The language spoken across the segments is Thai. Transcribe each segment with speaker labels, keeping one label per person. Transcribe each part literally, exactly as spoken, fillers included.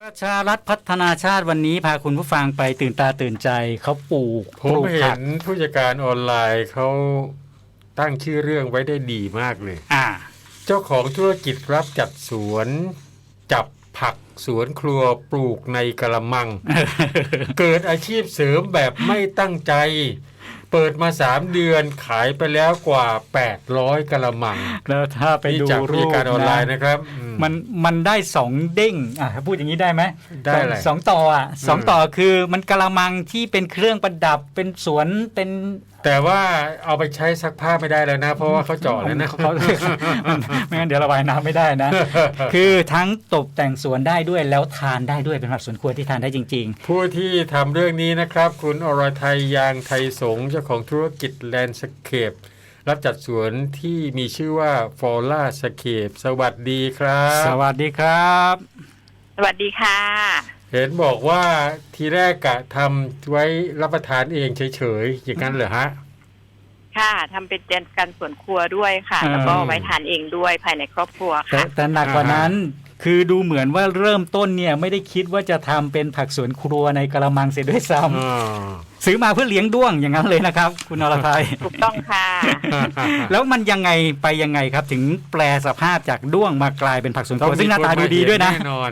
Speaker 1: ประชารัฐพัฒนาชาติวันนี้พาคุณผู้ฟังไปตื่นตาตื่นใจเขาปลูก
Speaker 2: ผมเห็นผู้จัดการออนไลน์เขาตั้งชื่อเรื่องไว้ได้ดีมากเลย
Speaker 1: อ่า
Speaker 2: เจ้าของธุรกิจรับจัดสวนจับผักสวนครัวปลูกในกระมัง เกิดอาชีพเสริมแบบไม่ตั้งใจเปิดมาสามเดือนขายไปแล้วกว่าแปดร้อยกะละมัง
Speaker 1: แล้วถ้าไปดูรูป
Speaker 2: การออนไลน์นะครับ
Speaker 1: มันมันได้สองเด้งอ่ะพูดอย่างนี้ได้ไหม
Speaker 2: ได้เลย
Speaker 1: สองต่ออ่ะสองต่อคือมันกะละมังที่เป็นเครื่องประดับเป็นสวนเป็น
Speaker 2: แต่ว่าเอาไปใช้ซักผ้าไม่ได้แล้วนะเพราะว่าเขาเจาะแล้วนะ
Speaker 1: เขาไม่งั้นเดี๋ยวระบายน้ำไม่ได้นะคือทั้งตกแต่งสวนได้ด้วยแล้วทานได้ด้วยเป็นผักสวนครัวที่ทานได้จริงๆ
Speaker 2: ผู้ที่ทำเรื่องนี้นะครับคุณอรทัยยางไทยสงฆ์เจ้าของธุรกิจแลนด์สเคปรับจัดสวนที่มีชื่อว่าฟอล่าสเคปสวัสดีครับ
Speaker 1: สวัสดีครับ
Speaker 3: สวัสดีค่ะ
Speaker 2: เห็นบอกว่าทีแรกกะทำไว้รับประทานเองเฉยๆอย่างนั้นเหรอฮะ
Speaker 3: ค่ะทำเป็นการสวนครัวด้วยค่ะแล้วก็ไว้ทานเองด้วยภายในครอบครัวค่ะ
Speaker 1: แต่หนักกว่านั้นคือดูเหมือนว่าเริ่มต้นเนี่ยไม่ได้คิดว่าจะทำเป็นผักสวนครัวในกระมังเสียด้วยซ้ำซื้อมาเพื่อเลี้ยงด้วงอย่างนั้นเลยนะครับคุณอรทัย
Speaker 3: ถูกต้องค่ะ
Speaker 1: แล้วมันยังไงไปยังไงครับถึงแปลสภาพจากด้วงมากลายเป็นผักสวนครัวซึ่งหน้าตาดูดีด้วยนะ
Speaker 2: แน่นอน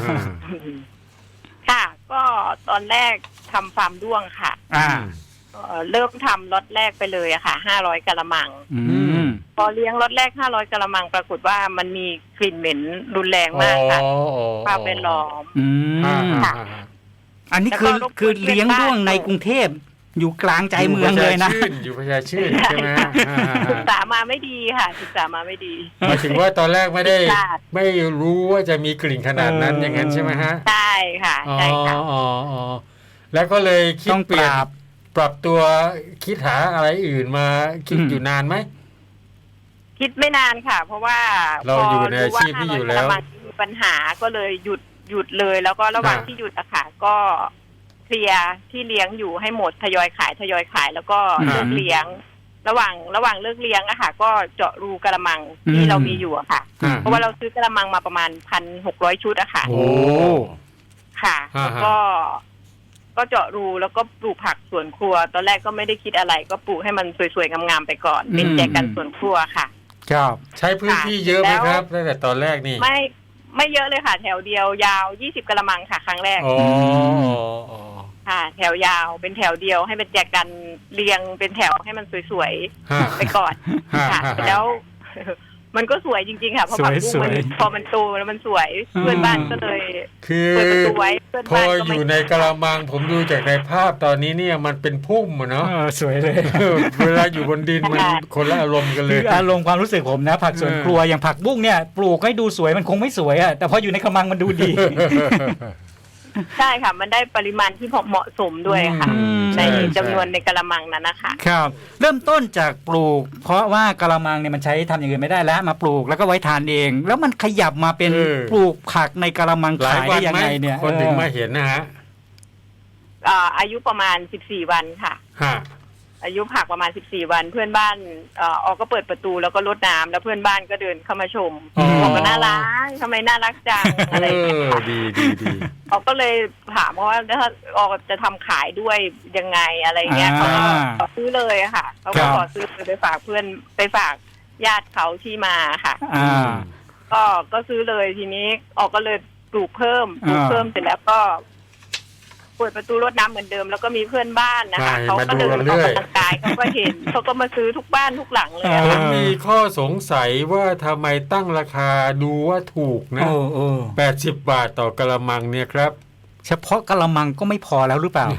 Speaker 3: ค่ะก็ตอนแรกทำฟาร์มด้วงค่ะ
Speaker 1: อ่า
Speaker 3: เริ่มทำล็อตแรกไปเลยอะค่ะห้าร้อยกะละมังพอเลี้ยงล็อตแรกห้าร้อยกะละมังปรากฏว่ามันมีกลิ่นเหม็นรุนแรงมากค่ะภาพแวดล้อม
Speaker 1: ค่ะอันนี้คือคือเลี้ยงด้วงในกรุงเทพอยู่กลางใจเมืองเลยนะ
Speaker 2: อยู่พญาชื่นใช่ไหม
Speaker 3: ศึกษามาไม่ดีค่ะศึกษามาไม่ดี
Speaker 2: หมายถึงว่าตอนแรกไม่ได้ไม่รู้ว่าจะมีกลิ่นขนาดนั้นอย่างนั้นใช่ไหมฮะ
Speaker 3: ใช่ค่ะใช่ค่ะ
Speaker 2: อ๋ออ๋อแล้วก็เลยคิดเปลี่ยนปรับตัวคิดหาอะไรอื่นมาคิดอยู่นานไหม
Speaker 3: คิดไม่นานค่ะเพราะว่า
Speaker 2: เราอยู่ในอาชีพที่อยู่แล้ว
Speaker 3: มีปัญหาก็เลยหยุดหยุดเลยแล้วก็ระหว่างที่หยุดอะค่ะก็เคลียร์ที่เลี้ยงอยู่ให้หมดทยอยขายทยอยขายแล้วก็เลิกเลี้ยงระหว่างระหว่างเลิกเลี้ยงอะค่ะก็เจาะรูกระมังที่เรามีอยู่อะค่ะเพราะว่าเราซื้อกระมังมาประมาณพันหกร้อยชุดอะค่ะ
Speaker 2: โอ้
Speaker 3: ค่ะแล้วก็ก็เจาะรูแล้วก็ปลูกผักสวนครัวตอนแรกก็ไม่ได้คิดอะไรก็ปลูกให้มันสวยๆงามๆไปก่อนเป็นแจกันสวนครัวค่ะ
Speaker 2: ครับใช้พื้นที่เยอะไหมครับตั้งแต่ตอนแรกนี่
Speaker 3: ไม่ไม่เยอะเลยค่ะแถวเดียวยาวยี่สิบกะละมังค่ะครั้งแรก
Speaker 2: อ๋อ
Speaker 3: ค่ะแถวยาวเป็นแถวเดียวให้เป็นแจกันเรียงเป็นแถวให้มันสวยๆไปก่อนค่ะแล้วมันก็สวยจริงๆค่ะเพราะผักบุ้งมันพอมันโตแล้วมันสวยเพื่อนบ้านก็เลย
Speaker 2: คือพออยู่ในกะละมังผมดูจากในภาพตอนนี้เนี่ยมันเป็นพุ่มอะเนาะ
Speaker 1: สวยเลย
Speaker 2: เวลาอยู่บนดินมันคนละอารมณ์กันเลย
Speaker 1: อารมณ์ความรู้สึกผมนะผักสวนครัวอย่างผักบุ้งเนี่ยปลูกให้ดูสวยมันคงไม่สวยอะแต่พออยู่ในกะละมังมันดูดี
Speaker 3: ใช่ค่ะมันได้ปริมาณที่เหมาะสมด้วยค่ะในจำนวนในกะละมังนั้นนะคะ
Speaker 1: ครับเริ่มต้นจากปลูกเพราะว่ากะละมังเนี่ยมันใช้ทำอย่างอื่นไม่ได้แล้วมาปลูกแล้วก็ไว้ทานเองแล้วมันขยับมาเป็นปลูกผักในกะละมังขายได้ยังไงเนี่ย
Speaker 2: คนถึงมาเห็นนะฮะ
Speaker 3: อายุประมาณสิบสี่วันค่ะอายุผักประมาณสิบสี่วันเพื่อนบ้านเอ่อออกก็เปิดประตูแล้วก็รดน้ำแล้วเพื่อนบ้านก็เดินเข้ามาชมบอกว่าน่ารักทำไมน่ารักจังอะไรอย่างเงี้ย
Speaker 2: ดีดีดี
Speaker 3: ออกก็เลยถามว่าถ้าออกจะทำขายด้วยยังไงอะไรเงี้ยเขาก็ขอซื้อเลยค่ะเขาก็ขอซื้อไปฝากเพื่อนไปฝากญาติเขาที่มาค่ะก็ก็ซื้อเลยทีนี้ออกก็เลยปลูกเพิ่มปลูกเพิ่มเสร็จแล้วก็เปิดประตูรดน้ำเหมือนเดิมแล้วก็มีเพื่อนบ้านนะคะเขาก็เดินออกกำลังกายเขาก็เห็นเขาก็มาซื้อทุกบ้านทุกหลังเลย
Speaker 2: ผมมีข้อสงสัยว่าทำไมตั้งราคาดูว่าถูกนะแปดสิบบาทต่อกะละมังเนี่ยครับ
Speaker 1: เฉพาะกะละมังก็ไม่พอแล้วหรือเปล่า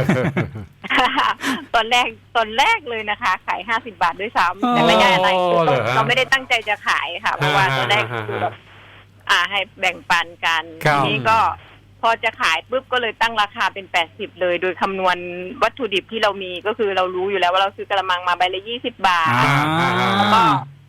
Speaker 3: ตอนแรกตอนแรกเลยนะคะขายห้าสิบบาทด้วยซ้ำแต่ไม่ใช่อะไรเราไม่ได้ตั้งใจจะขายค่ะเพราะว่าตอนแรกคือแบบอ่าให้แบ่งปันกันทีนี้ก็พอจะขายปุ๊บก็เลยตั้งราคาเป็นแปดสิบเลยโดยคำนวณวัตถุดิบที่เรามีก็คือเรารู้อยู่แล้วว่าเราซื้อกระมังมาใบละยี่สิบบาทแล้วก็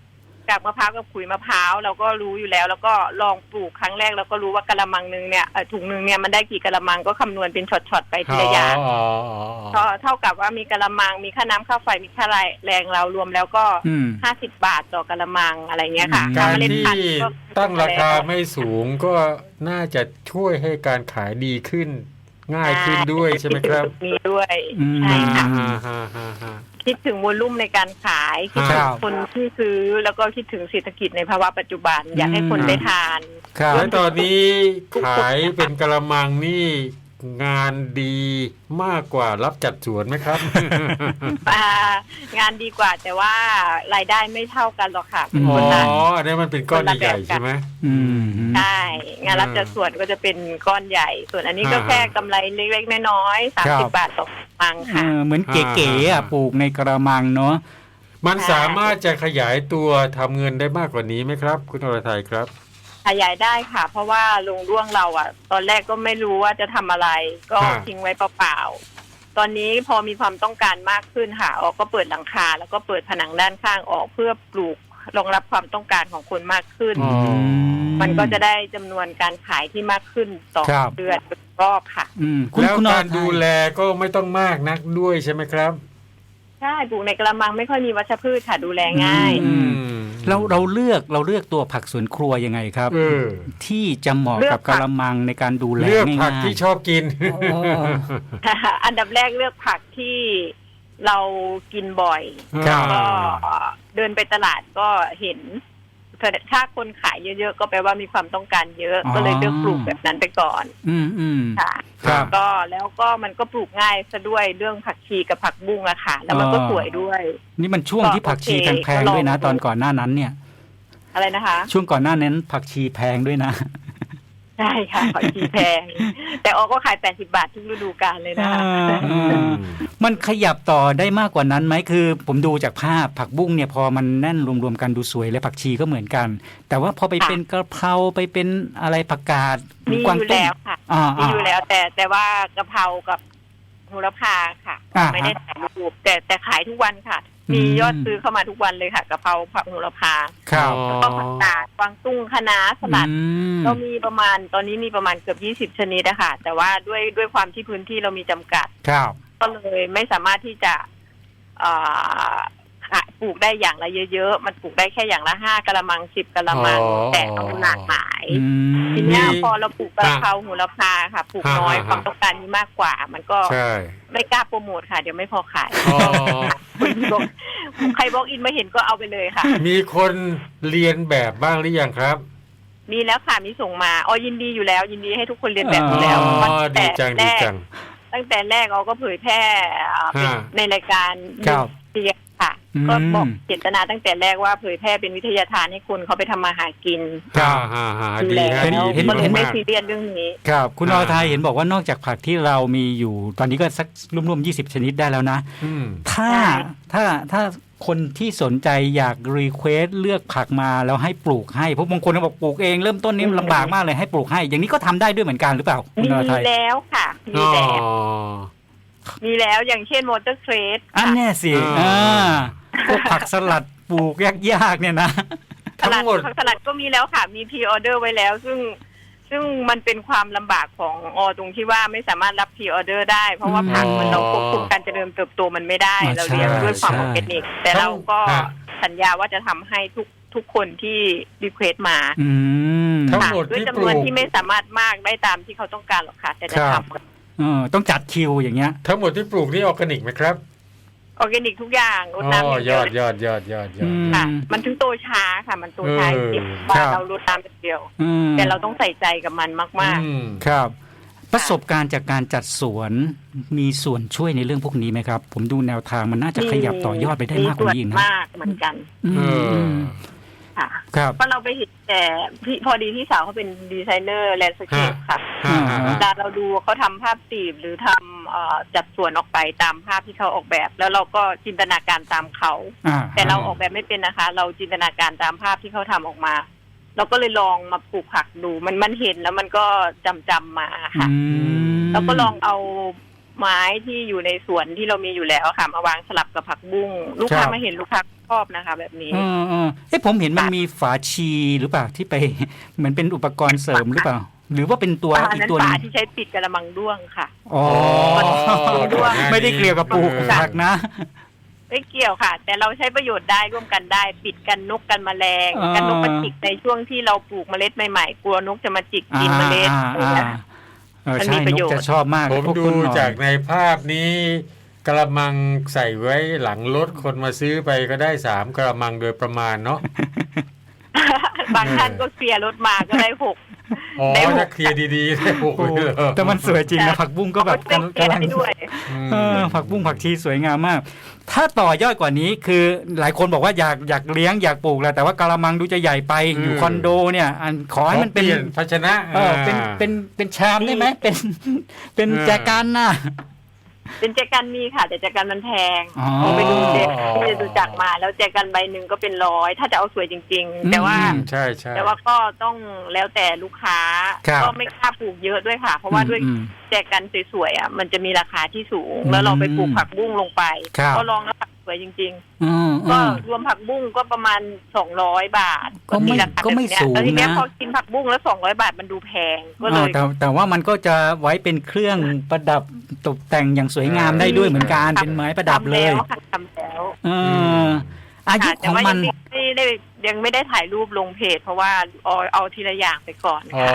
Speaker 3: จากมะพร้าวกับขุยมะพร้าวเราก็รู้อยู่แล้ว แล้วก็ลองปลูกครั้งแรกเราก็รู้ว่ากะละมังนึงเนี่ยถุงนึงเนี่ยมันได้กี่กะละมังก็คำนวณเป็นช็อตๆไปทีละอย่างก็เท่ากับว่ามีกะละมังมีค่าน้ำค่าไฟมีค่าแรงเรารวมแล้วก็ห้าสิบบาทต่อกะละมังอะไรเงี้ยค่ะ
Speaker 2: การที่ตั้งราคาไม่สูงก็น่าจะช่วยให้การขายดีขึ้นง่ายขึ้นด้วยใช่ไหมครับ
Speaker 3: มีด้วยใช่ค่ะคิดถึงวอลลุ่มในการขายคิดถึงคนที่ซื้อแล้วก็คิดถึงเศรษฐกิจในภาวะปัจจุบันอยากให้คนได้ทาน
Speaker 2: แล้วตอนนี้ขายเป็นกะละมังนี่งานดีมากกว่ารับจัดสวนไหมครับ
Speaker 3: งานดีกว่าแต่ว่ารายได้ไม่เท่ากันหรอกค่ะ
Speaker 2: อ๋ออันนี้มันเป็นก้อนใหญ่ใช่ไหม
Speaker 3: ใช่งานรับจัดสวนก็จะเป็นก้อนใหญ่ส่วนอันนี้ก็แค่กำไรเล็กๆน้อยๆสามสิบบาทต่อกระมังค่ะ
Speaker 1: เหมือนเก๋ๆอ่ะปลูกในกระมังเนาะ
Speaker 2: มันสามารถจะขยายตัวทำเงินได้มากกว่านี้ไหมครับคุณอรทัยครับ
Speaker 3: ขยายได้ค่ะเพราะว่าลุงร่วงเราอ่ะตอนแรกก็ไม่รู้ว่าจะทำอะไรก็ทิ้งไว้เปล่าๆตอนนี้พอมีความต้องการมากขึ้นค่ะออกก็เปิดหลังคาแล้วก็เปิดผนังด้านข้างออกเพื่อปลูกรองรับความต้องการของคนมากขึ้นมันก็จะได้จำนวนการขายที่มากขึ้นต่อเดือนรอบค่ะ
Speaker 2: แล้วการดูแลก็ไม่ต้องมากนักด้วยใช่ไหมครับ
Speaker 3: ใช่ปลูกในกระมังไม่ค่อยมีวัชพืชค่ะดูแลง่าย
Speaker 1: เราเราเลือกเราเลือกตัวผักสวนครัวยังไงครับที่จะเหมาะกับกระมังในการดูแลง่ายๆ
Speaker 2: เลือกผักที่ชอบกิน
Speaker 3: อันดับแรกเลือกผักที่เรากินบ่อยก็เดินไปตลาดก็เห็นถ้าคนขายเยอะๆก็แปลว่ามีความต้องการเยอะก็เลยเลือกปลูกแบบนั้นไปก่อน
Speaker 1: อืมอืม
Speaker 3: ค่ะก็แล้วก็มันก็ปลูกง่ายซะด้วยเรื่องผักชีกับผักบุ้งอะค่ะแล้วมันก็สวยด้วย
Speaker 1: นี่มันช่วงที่ผักชีแพงๆด้วยนะตอนก่อนหน้านั้นเนี่ย
Speaker 3: อะไรนะคะ
Speaker 1: ช่วงก่อนหน้านั้นผักชีแพงด้วยนะ
Speaker 3: ใช่ค่ะผักชีแพงแต่ออกก็ขายแปดสิบบาททุกฤดูกาลเลยนะคะ
Speaker 1: มันขยับต่อได้มากกว่านั้นไหมคือผมดูจากภาพผักบุ้งเนี่ยพอมันแน่นรวมๆกันดูสวยและผักชีก็เหมือนกันแต่ว่าพอไปเป็นกระเพราไปเป็นอะไรผักกาด
Speaker 3: มีอยู่แล้วค่ะมีอยู่แล้วแต่แต่ว่ากระเพรากับโหระพาค่ะไม่ได้ขายรูปแต่แต่ขายทุกวันค่ะมียอดซื้อเข้ามาทุกวันเลยค่ะกะเพราผักโหระพาแล้วก็ผักกาดกวางตุ้งคะน้าสลัดเรามีประมาณตอนนี้มีประมาณเกือบยี่สิบชนิดนะคะแต่ว่าด้วยด้วยความที่พื้นที่เรามีจำกัดก็เลยไม่สามารถที่จะปลูกได้อย่างละเยอะๆมันปลูกได้แค่อย่างละห้ากะละมังสิบกะละมังแต่ต้องหลากหลายทีนี้พอเราปลูกกะเพราโหระพาค่ะปลูกน้อยความต้องการมีมากกว่ามันก็ไม่กล้าโปรโมทค่ะเดี๋ยวไม่พอขายใครบล็อกอินมาเห็นก็เอาไปเลยค่ะ
Speaker 2: มีคนเรียนแบบบ้างหรือยังครับ
Speaker 3: มีแล้วค่ะมีส่งมาอ๋อยินดีอยู่แล้วยินดีให้ทุกคนเรียนแบบอยู่แล้ว
Speaker 2: ดีจังดีจัง
Speaker 3: ตั้งแต่แรกเราก็เผยแพร่ในรายการเรียนค่ะก็บอกเจตนาตั้งแต่แรกว่าเผยแพร่เป็นวิทยาทานให้คนเขาไปทำมาหากิน
Speaker 2: ครับดี
Speaker 3: เห็นเห็นเห็นไม่ซีเรียสเรื่องนี้
Speaker 1: ครับคุณอรทัยเห็นบอกว่านอกจากผักที่เรามีอยู่ตอนนี้ก็สักรวมๆยี่สิบชนิดได้แล้วนะถ้าถ้าถ้าคนที่สนใจอยากรีเควสเลือกผักมาแล้วให้ปลูกให้เพราะบางคนบอกปลูกเองเริ่มต้นนี้ลำบากมากเลยให้ปลูกให้อย่างนี้ก็ทำได้ด้วยเหมือนกันหรือเปล่า
Speaker 3: คุณอรทัยมีแล้วค่ะมีแล้วมีแล้วอย่างเช่นมอเตอร์เครส
Speaker 1: อันแน่สิอ่าพวกผักสลัดปลูกยากๆเนี่ยนะ
Speaker 3: ทั้งหมดผักสลัดก็มีแล้วค่ะมีพรีออเดอร์ไว้แล้วซึ่งซึ่งมันเป็นความลำบากของอตรงที่ว่าไม่สามารถรับพรีออเดอร์ได้เพราะว่าผักมันเราควบคุมการเจริญเติบโตมันไม่ได้เราเลี้ยงด้วยความออร์แกนิกแต่เราก็สัญญาว่าจะทำให้ทุกทุกคนที่รีเควสมา
Speaker 2: ทั้งหมด
Speaker 3: ด้วยจำนวนที่ไม่สามารถมากได้ตามที่เขาต้องการหรอกค่ะแต่จะทำ
Speaker 1: เออต้องจัดคิวอย่างเงี้ย
Speaker 2: ทั้งหมดที่ปลูกนี่ออร์แกนิกไหมครับ
Speaker 3: ออร์แกนิกทุกอย่างรดน้ำ
Speaker 2: ยอดยอดยอดยอดยอด
Speaker 3: ค่ะมันถึงโตช้าค่ะมันโตช้าจริงว่าเรารดน้ำเดียวแต่เราต้องใส่ใจกับมันมาก
Speaker 1: ๆครับประสบการณ์จากการจัดสวนมีส่วนช่วยในเรื่องพวกนี้ไหมครับผมดูแนวทางมันน่าจะขยับต่อยอดไปได้มากกว่านี้นะ
Speaker 3: มากเหมือนกันค่ะเพราะเราไปเห็นแต่พอดีที่สาวเขาเป็นดีไซเนอร์แลนด์สเคปค่ะเวลาเราดูเขาทำภาพตีบหรือทำจัดสวนออกไปตามภาพที่เขาออกแบบแล้วเราก็จินตนาการตามเขาแต่เราออกแบบไม่เป็นนะคะเราจินตนาการตามภาพที่เขาทำออกมาเราก็เลยลองมาปลูกผักดูมันมันเห็นแล้วมันก็จำจำมาค่ะแล้วก็ลองเอาไม้ที่อยู่ในสวนที่เรามีอยู่แล้วค่ะมาวางสลับกับผักบุ้งลูกค้ามาเห็นลูกค้าชอบนะคะ แบบนี้
Speaker 1: เออเออเอ๊ะผมเห็นมันมีฝาชีหรือเปล่าที่ไป เหมือนเป็นอุปกรณ์เสริมหรือเปล่า หรือว่าเป็นตัวอีกตัวนึง
Speaker 3: ฝาที่ใช้ปิดกระมังด้วงค่ะ
Speaker 1: อ๋อไม่ได้เกี่ยวกับปลูกผักนะ
Speaker 3: ไม่เกี่ยวค่ะ แต่เราใช้ประโยชน์ได้ร่วมกันได้ปิดกันนกกันแมลงกันนกมาจิกในช่วงที่เราปลูกเมล็ดใหม่ๆกลัวนกจะมาจิกกินเมล็ด
Speaker 1: มันมีประโยชน์จะชอบมาก
Speaker 2: ผมดูจากในภาพนี้กระมังใส่ไว้หลังรถคนมาซื้อไปก็ได้สามกระมังโดยประมาณเนาะ
Speaker 3: บางท่านก็เคลียร์รถมาก็ได้หก
Speaker 2: อ๋อถ้าเคลียร์ดีๆได้หกเลย
Speaker 1: แต่มันสวยจริงนะผักบุ้งก็แบบกำลังผักบุ้งผักชีสวยงามมากถ้าต่อยอดกว่านี้คือหลายคนบอกว่าอยากอยากเลี้ยงอยากปลูกแหละแต่ว่ากะละมังดูจะใหญ่ไปอยู่คอนโดเนี่ยอันขอให้มันเป็น
Speaker 2: ภาชนะ
Speaker 1: เออเป็นเป็นเป็นชามได้ไหมเป็นเป็นแจกันน่ะ
Speaker 3: เป็นแจกันมีค่ะแต่แจกันมันแพงผมไปดูแจที่ดูจักมาแล้วแจกันใบหนึ่งก็เป็นร้อยถ้าจะเอาสวยจริงๆแต่ว่า
Speaker 2: ใช่ใช่
Speaker 3: แต่ว่าก็ต้องแล้วแต่ลูกค้าก็ไม่กล้าปลูกเยอะด้วยค่ะเพราะว่าด้วยแจกันสวยๆอ่ะมันจะมีราคาที่สูงแล้วเราไปปลูกผักบุ้งลงไปก็ลองแล้วผักสวยจริงๆก็รวมผักบุ้งก็ประมาณสองร้อยบาท
Speaker 1: ก็ไม่ก็ไม่สูงนะ
Speaker 3: ทีนี้พอกินผักบุ้งแล้วสองร้อยบาทมันดูแพงก็เลย
Speaker 1: แต่แต่ว่ามันก็จะไว้เป็นเครื่องประดับตกแต่งอย่างสวยงามได้ด้วยเหมือนกันเป็นไม้ประดับเลย
Speaker 3: ทำแล้ว
Speaker 1: อายุของมัน
Speaker 3: ไม่ได้ยังไม่ได้ถ่ายรูปลงเพจเพราะว่าเอาเอาทีละอย่างไปก่อนค่ะ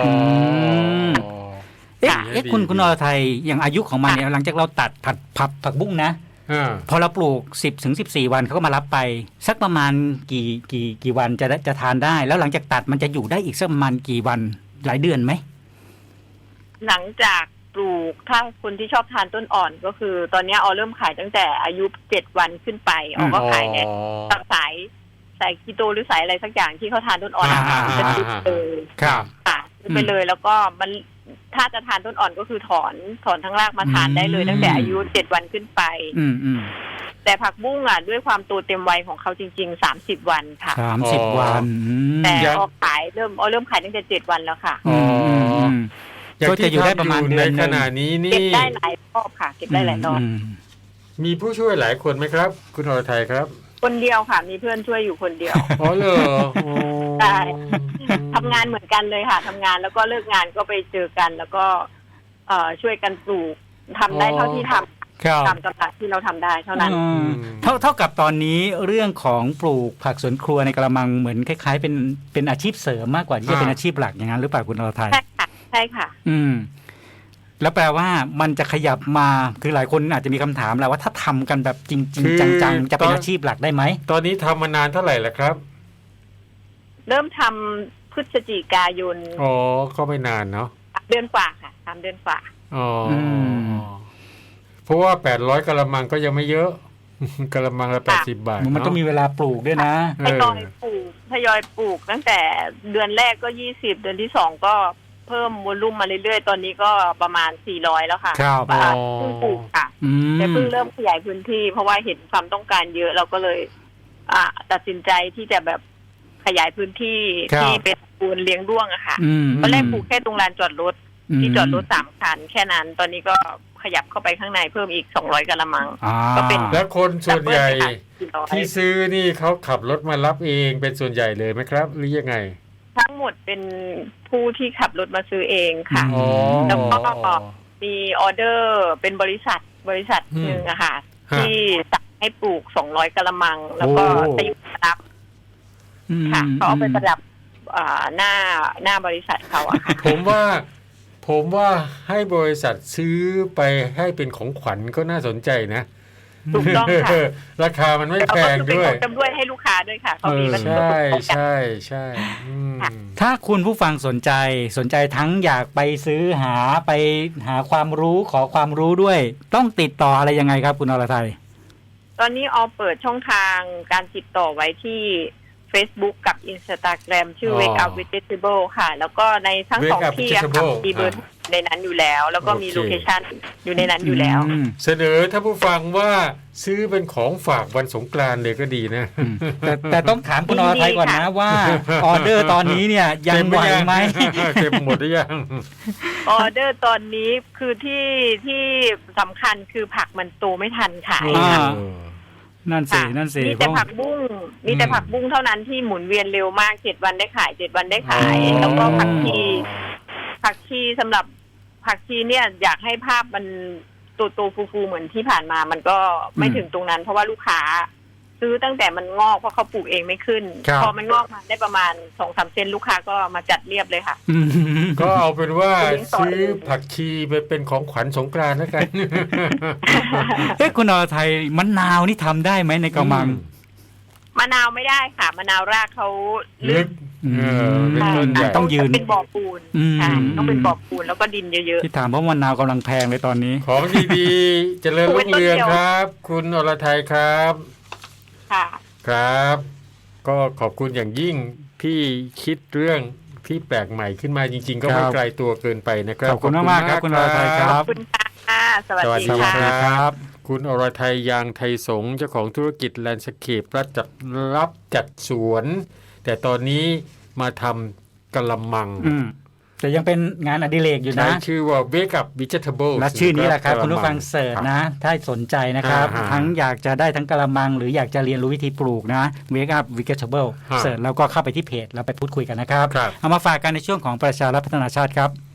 Speaker 1: เอ๊ะคุณคุณอรไทยอย่างอายุของมันเนี่ยหลังจากเราตัดผัดผักผักบุ้งนะพอเราปลูกสิบถึงสิบสี่วันเขาก็มารับไปสักประมาณกี่กี่กี่วันจะจะทานได้แล้วหลังจากตัดมันจะอยู่ได้อีกสักประมาณกี่วันหลายเดือนไหม
Speaker 3: หลังจากปลูกถ้าคนที่ชอบทานต้นอ่อนก็คือตอนนี้ออเริ่มขายตั้งแต่อายุเจ็ดวันขึ้นไปออก็ขายในสายสายคีโตหรือสายอะไรสักอย่างที่เขาทานต้นอ่อนจะติดเลย
Speaker 1: ครับ
Speaker 3: ค่ะไปเลยแล้วก็มันถ้าจะทานต้นอ่อนก็คือถอนถอนทั้งรากมาทานได้เลยตั้งแต่อายุเจ็ดวันขึ้นไปแต่ผักบุ้งอ่ะด้วยความโตเต็มวัยของเขาจริงๆสามสิบวันค่ะ
Speaker 1: สามสิบวัน
Speaker 3: แต่ออกขายเริ่มออเริ่มขายตั้งแต่เจ็ดวันแล้วค่ะ
Speaker 1: ก็จะอยู่ได้ประมาณเดือน
Speaker 2: ในขณะนี้นี่
Speaker 3: เก็บได้หลายรอบค่ะเก็บได้หลายรอบ
Speaker 2: มีผู้ช่วยหลายคนไหมครับคุณอรไทยครับ
Speaker 3: คนเดียวค่ะมีเพื่อนช่วยอยู่คนเดียว
Speaker 2: อ๋อเหรอ
Speaker 3: ใช่ทำงานเหมือนกันเลยค่ะทำงานแล้วก็เลิกงานก็ไปเจอกันแล้วก็เอ่อช่วยกันปลูกทำได้เท่าที่ทำตามกำลังที่เราทำได้เท่านั้น
Speaker 1: เท่าเท่ากับตอนนี้เรื่องของปลูกผักสวนครัวในกระมังเหมือนคล้ายๆเป็นเป็นอาชีพเสริมมากกว่าที่จะเป็นอาชีพหลักอย่างนั้นหรือเปล่าคุณอรไทย
Speaker 3: ใช่ค่ะใช่ค่ะ
Speaker 1: อืมแล้วแปลว่ามันจะขยับมาคือหลายคนอาจจะมีคำถามแหละว่าถ้าทำกันแบบจริงๆจังๆจะเป็นอาชีพหลักได้ไหม
Speaker 2: ตอนนี้ทำมานานเท่าไหร่แล้วครับ
Speaker 3: เริ่มทำพฤศจิกายน
Speaker 2: อ๋อก็ไม่นานเนาะ
Speaker 3: เดือนกว่าค่ะสามเดือนกว่า
Speaker 2: อ๋อเพราะว่าแปดร้อยกะละมังก็ยังไม่เยอะกะละมังละแปดสิบบาท
Speaker 1: มันต้องมีเวลาปลูกด้วยนะ
Speaker 3: ทยอยปลูกทยอยปลูกตั้งแต่เดือนแรกก็ยี่สิบเดือนที่สองก็เพิ่มวอลลุ่มมาเรื่อยๆตอนนี้ก็ประมาณสี่ร้อยแล้วค่ะ
Speaker 1: ครับ
Speaker 3: เพิ่งปลูกค่ะแต่เพิ่งเริ่มขยายพื้นที่เพราะว่าเห็นความต้องการเยอะเราก็เลยอ่าตัดสินใจที่จะแบบขยายพื้นที่ที่เป็นปูนเลี้ยงด้วงอะค่ะตอนแรกปลูกแค่ตรงลานจอดรถที่จอดรถสามคันแค่นั้นตอนนี้ก็ขยับเข้าไปข้างในเพิ่มอีกสองร้อยกะละมัง
Speaker 2: ก็เป็นแล้วคนส่วนใหญ่ที่ซื้อนี่เขาขับรถมารับเองเป็นส่วนใหญ่เลยไหมครับหรือยังไง
Speaker 3: ทั้งหมดเป็นผู้ที่ขับรถมาซื้อเองค่ะแล้วก็มีออเดอร์เป็นบริษัทบริษัทหนึ่งอะค่ะที่สั่งให้ปลูกสองร้อยกะละมังแล้วก็จะอยู่รับค่ะเขาเอาไปประดับหน้าหน้าบริษัทเขาอะค่ะ
Speaker 2: ผมว่าผมว่าให้บริษัทซื้อไปให้เป็นของขวัญก็น่าสนใจนะ
Speaker 3: ถูกต้องค่ะ
Speaker 2: ราคามันไม่แพงด้วย
Speaker 3: เป็นของจำด้วยให้ลูกค้าด้วยค่ะเขามีมัน
Speaker 2: ใช่ใช่ใช่
Speaker 1: ถ้าคุณผู้ฟังสนใจสนใจทั้งอยากไปซื้อหาไปหาความรู้ขอความรู้ด้วยต้องติดต่ออะไรยังไงครับคุณอรไทย
Speaker 3: ตอนนี้ออเปิดช่องทางการติดต่อไว้ที่ Facebook กับ Instagram ชื่อ Wake Up Vegetable ค่ะแล้วก็ในทั้งสองที่ค่ะมีเบอร์ในนั้นอยู่แล้วแล้วก็มีโลเคชั่นอยู่ในนั้นอยู่แล้ว
Speaker 2: เสนอถ้าผู้ฟังว่าซื้อเป็นของฝากวันสงกรานต์เลยก็ดีนะ
Speaker 1: แต่แต่ต้องถามคุณอรไทยก่อนนะว่าออเดอร์ตอนนี้เนี่ยยังไหวไหม
Speaker 2: เต็มหมดหรือยัง
Speaker 3: ออเดอร์ตอนนี้คือที่ที่สำคัญคือผักมันโตไม่ทันขายค่ะ
Speaker 1: นั่นสินั่นสิ
Speaker 3: มีแต่ผักบุ้งมีแต่ผักบุ้งเท่านั้นที่หมุนเวียนเร็วมากเจ็ดวันได้ขายเจ็ดวันได้ขายแล้วก็ผักชีผักชีสำหรับผักชีเนี่ยอยากให้ภาพมันโตๆฟูๆเหมือนที่ผ่านมามันก็ไม่ถึงตรงนั้นเพราะว่าลูกค้าซื้อตั้งแต่มันงอกเพราะเขาปลูกเองไม่ขึ้นพอมันงอกมาได้ประมาณสองสามเซนลูกค้าก็มาจัดเรียบเลยค่ะ
Speaker 2: ก็เอาเป็นว่าซื้อผักชีไปเป็นของขวัญสงกรานต์แล้วกัน
Speaker 1: เอ๊ะคุณอรไทยมะนาวนี่ทำได้ไหมในกระมัง
Speaker 3: มะนาวไม่ได้ค่ะมะนาวรากเขาลึก
Speaker 2: เป็นต้นใหญ่
Speaker 1: ต้องยืน
Speaker 3: เป็นบ่อปูนต้องเป็นบ่อปูนแล้วก็ดินเยอะ
Speaker 1: ๆที่ถามเพราะมะนาวกำลังแพงเลยตอนนี้
Speaker 2: ของดีๆเจริญรุ่งเรืองครับคุณอรไทยครับ
Speaker 3: ค่ะ
Speaker 2: ครับก็ขอบคุณอย่างยิ่งที่คิดเรื่องที่แปลกใหม่ขึ้นมาจริงๆก็ไม่ไกลตัวเกินไปนะครับ
Speaker 1: ขอบคุณมากๆครับคุณอรไทยครับ
Speaker 3: ขอบคุณค่ะสวัสดี
Speaker 2: ครับคุณอรไทยยางไทยสงฆ์เจ้าของธุรกิจแลนด์สเคปรับจัดรับจัดสวนแต่ตอนนี้มาทำกะละมัง
Speaker 1: แต่ยังเป็นงานอดิเรกอยู่นะ
Speaker 2: ชื่อว่า Wake Up Vegetable
Speaker 1: และชื่อนี้แหละครับคุณผู้ฟังเสิร์ชนะถ้าสนใจนะครับทั้งอยากจะได้ทั้งกะละมังหรืออยากจะเรียนรู้วิธีปลูกนะ Wake Up Vegetable เสิร์ชแล้วก็เข้าไปที่เพจแล้วไปพูดคุยกันนะครับเอามาฝากกันในช่วงของประชารัฐพัฒนาชาติครับ